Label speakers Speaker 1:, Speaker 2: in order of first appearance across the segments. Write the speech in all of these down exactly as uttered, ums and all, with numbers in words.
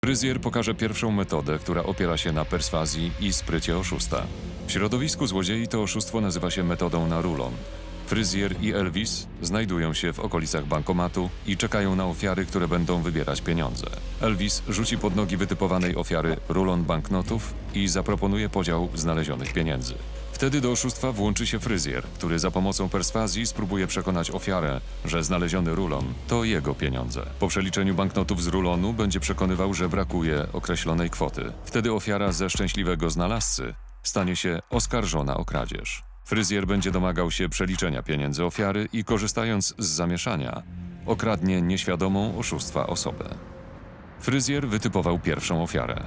Speaker 1: Fryzjer pokaże pierwszą metodę, która opiera się na perswazji i sprycie oszusta. W środowisku złodziei to oszustwo nazywa się metodą na rulon. Fryzjer i Elvis znajdują się w okolicach bankomatu i czekają na ofiary, które będą wybierać pieniądze. Elvis rzuci pod nogi wytypowanej ofiary rulon banknotów i zaproponuje podział znalezionych pieniędzy. Wtedy do oszustwa włączy się fryzjer, który za pomocą perswazji spróbuje przekonać ofiarę, że znaleziony rulon to jego pieniądze. Po przeliczeniu banknotów z rulonu będzie przekonywał, że brakuje określonej kwoty. Wtedy ofiara ze szczęśliwego znalazcy stanie się oskarżona o kradzież. Fryzjer będzie domagał się przeliczenia pieniędzy ofiary i korzystając z zamieszania, okradnie nieświadomą oszustwa osobę. Fryzjer wytypował pierwszą ofiarę.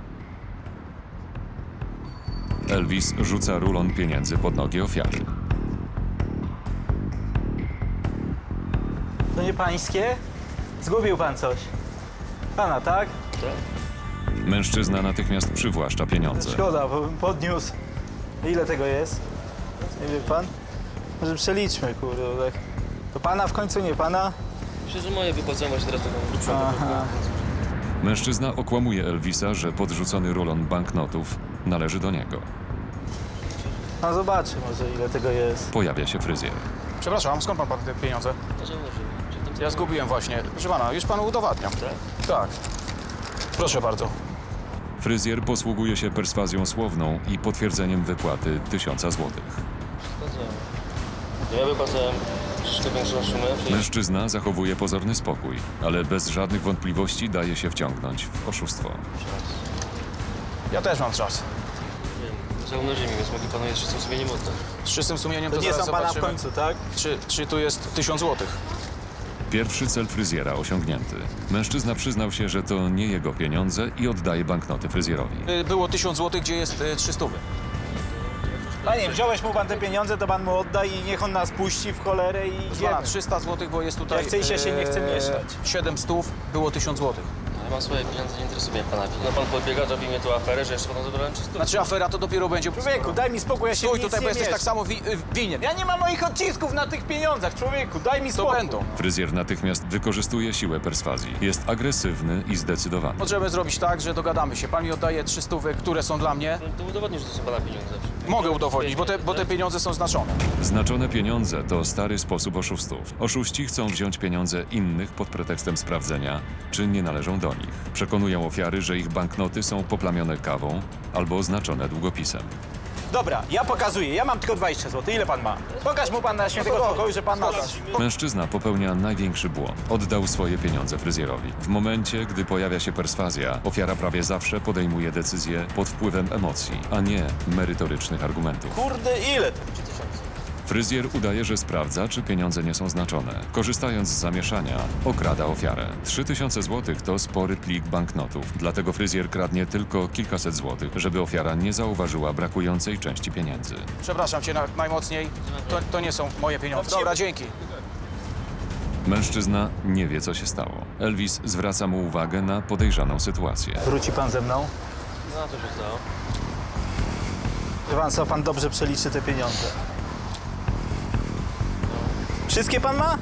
Speaker 1: Elvis rzuca rulon pieniędzy pod nogi ofiary.
Speaker 2: To nie pańskie? Zgubił pan coś. Pana, tak?
Speaker 1: Mężczyzna natychmiast przywłaszcza pieniądze.
Speaker 2: Szkoda, bo bym podniósł. Ile tego jest? Nie wie pan? Może przeliczmy, kurde. Tak. To pana w końcu, nie pana?
Speaker 3: Myślę, że moje wypłacałem właśnie teraz taką grubszą
Speaker 2: Aha.
Speaker 3: gotówkę.
Speaker 1: Mężczyzna okłamuje Elvisa, że podrzucony rulon banknotów należy do niego.
Speaker 2: No zobaczy może, ile tego jest.
Speaker 1: Pojawia się fryzjer.
Speaker 4: Przepraszam, skąd pan, pan te pieniądze?
Speaker 3: To założyłem. Czy tam
Speaker 4: Ja zgubiłem właśnie. Proszę pana, już panu udowadniam.
Speaker 3: Tak?
Speaker 4: Tak. Proszę bardzo.
Speaker 1: Fryzjer posługuje się perswazją słowną i potwierdzeniem wypłaty tysiąca złotych.
Speaker 3: Zgadzam. To ja wypłacałem troszeczkę większą sumę. Czyli...
Speaker 1: Mężczyzna zachowuje pozorny spokój, ale bez żadnych wątpliwości daje się wciągnąć w oszustwo.
Speaker 4: Ja też mam czas.
Speaker 3: Wiem, zaumnoży mi, więc mogę panu jeszcze czystym sumieniem oddać.
Speaker 4: Z czystym sumieniem
Speaker 2: To
Speaker 4: to
Speaker 2: nie
Speaker 4: zaraz
Speaker 2: są pana w
Speaker 4: zobaczymy,
Speaker 2: końcu, tak?
Speaker 4: Czy, czy tu jest tysiąc złotych.
Speaker 1: Pierwszy cel fryzjera osiągnięty. Mężczyzna przyznał się, że to nie jego pieniądze i oddaje banknoty fryzjerowi.
Speaker 4: Y, Było tysiąc złotych, gdzie jest y, trzysta.
Speaker 2: Panie, wziąłeś mu pan te pieniądze, to pan mu odda i niech on nas puści w cholerę i
Speaker 4: Pana,
Speaker 2: idziemy.
Speaker 4: trzysta złotych, bo jest tutaj...
Speaker 2: Jak chce i się nie chce mieszać.
Speaker 4: siedem stów, było tysiąc złotych.
Speaker 3: Ja mam swoje pieniądze, nie interesuje mnie pana. No pan podbiega, robi mnie tu aferę, że jeszcze panu zabrałem czysto.
Speaker 4: Znaczy afera to dopiero będzie...
Speaker 2: Człowieku, daj mi spokój, ja się
Speaker 4: Stój
Speaker 2: w nic
Speaker 4: tutaj, bo
Speaker 2: nie
Speaker 4: jesteś
Speaker 2: mieszam.
Speaker 4: tak samo wi y, winien.
Speaker 2: Ja nie mam moich odcisków na tych pieniądzach, człowieku, daj mi
Speaker 4: To
Speaker 2: spokój.
Speaker 4: będą.
Speaker 1: Fryzjer natychmiast wykorzystuje siłę perswazji. Jest agresywny i zdecydowany.
Speaker 4: Możemy zrobić tak, że dogadamy się. Pan mi oddaje trzy stówy, które są dla mnie.
Speaker 3: To udowodnisz, że to są pana pieniądze.
Speaker 4: Mogę udowodnić, bo te, bo te pieniądze są znaczone.
Speaker 1: Znaczone pieniądze to stary sposób oszustów. Oszuści chcą wziąć pieniądze innych pod pretekstem sprawdzenia, czy nie należą do nich. Przekonują ofiary, że ich banknoty są poplamione kawą albo oznaczone długopisem.
Speaker 2: Dobra, ja pokazuję, ja mam tylko dwadzieścia złotych, ile pan ma? Pokaż mu pan na świętego spokoju, że pan ma coś.
Speaker 1: Mężczyzna popełnia największy błąd. Oddał swoje pieniądze fryzjerowi. W momencie, gdy pojawia się perswazja, ofiara prawie zawsze podejmuje decyzję pod wpływem emocji, a nie merytorycznych argumentów.
Speaker 2: Kurde, ile to?
Speaker 1: Fryzjer udaje, że sprawdza, czy pieniądze nie są znaczone. Korzystając z zamieszania, okrada ofiarę. trzy tysiące złotych to spory plik banknotów, dlatego fryzjer kradnie tylko kilkaset złotych, żeby ofiara nie zauważyła brakującej części pieniędzy.
Speaker 4: Przepraszam cię na, najmocniej. To, to nie są moje pieniądze. Dobra, dzięki.
Speaker 1: Mężczyzna nie wie, co się stało. Elvis zwraca mu uwagę na podejrzaną sytuację.
Speaker 2: Wróci pan ze mną?
Speaker 3: No to się stało.
Speaker 2: Wie pan co, pan dobrze przeliczy te pieniądze. Wszystkie pan ma?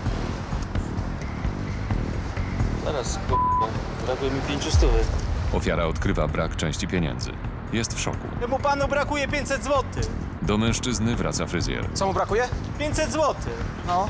Speaker 3: Zaraz, k***o. Brakuje mi pięciu stówy.
Speaker 1: Ofiara odkrywa brak części pieniędzy. Jest w szoku.
Speaker 2: Temu panu brakuje pięćset złotych.
Speaker 1: Do mężczyzny wraca fryzjer.
Speaker 4: Co mu brakuje?
Speaker 2: pięćset złotych.
Speaker 4: No.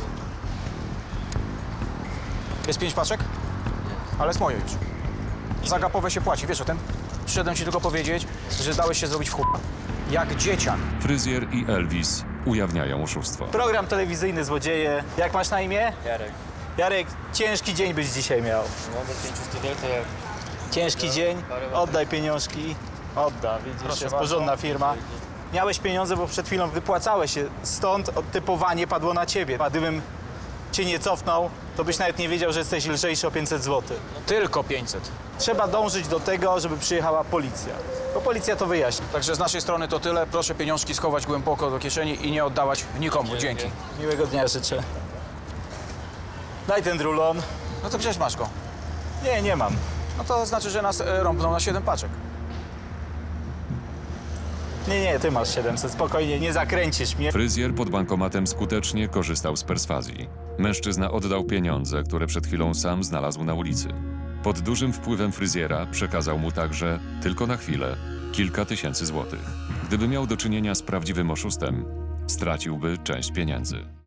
Speaker 4: Jest pięć paczek? Ale jest moje już. Za gapowe się płaci, wiesz o tym? Przyszedłem ci tylko powiedzieć, że dałeś się zrobić w chupa. Jak dzieciak.
Speaker 1: Fryzjer i Elvis ujawniają oszustwo.
Speaker 2: Program telewizyjny Złodzieje. Jak masz na imię?
Speaker 3: Jarek.
Speaker 2: Jarek, ciężki dzień byś dzisiaj miał.
Speaker 3: No bez pięciu stówek to jak...
Speaker 2: Ciężki dzień. Oddaj pieniążki. Odda, widzisz,
Speaker 4: Proszę
Speaker 2: jest
Speaker 4: bardzo.
Speaker 2: porządna firma. Miałeś pieniądze, bo przed chwilą wypłacałeś się. Stąd odtypowanie padło na ciebie. A gdybym cię nie cofnął, to byś nawet nie wiedział, że jesteś lżejszy o pięćset złotych.
Speaker 4: Tylko pięćset.
Speaker 2: Trzeba dążyć do tego, żeby przyjechała policja. Bo policja to wyjaśni.
Speaker 4: Także z naszej strony to tyle. Proszę pieniążki schować głęboko do kieszeni i nie oddawać nikomu. Dzięki.
Speaker 2: Miłego dnia życzę. Daj ten rulon.
Speaker 4: No to przecież masz go.
Speaker 2: Nie, nie mam.
Speaker 4: No to znaczy, że nas e, rąbną na siedem paczek.
Speaker 2: Nie, nie, ty masz siedemset. Spokojnie, nie zakręcisz mnie.
Speaker 1: Fryzjer pod bankomatem skutecznie korzystał z perswazji. Mężczyzna oddał pieniądze, które przed chwilą sam znalazł na ulicy. Pod dużym wpływem fryzjera przekazał mu także, tylko na chwilę, kilka tysięcy złotych. Gdyby miał do czynienia z prawdziwym oszustem, straciłby część pieniędzy.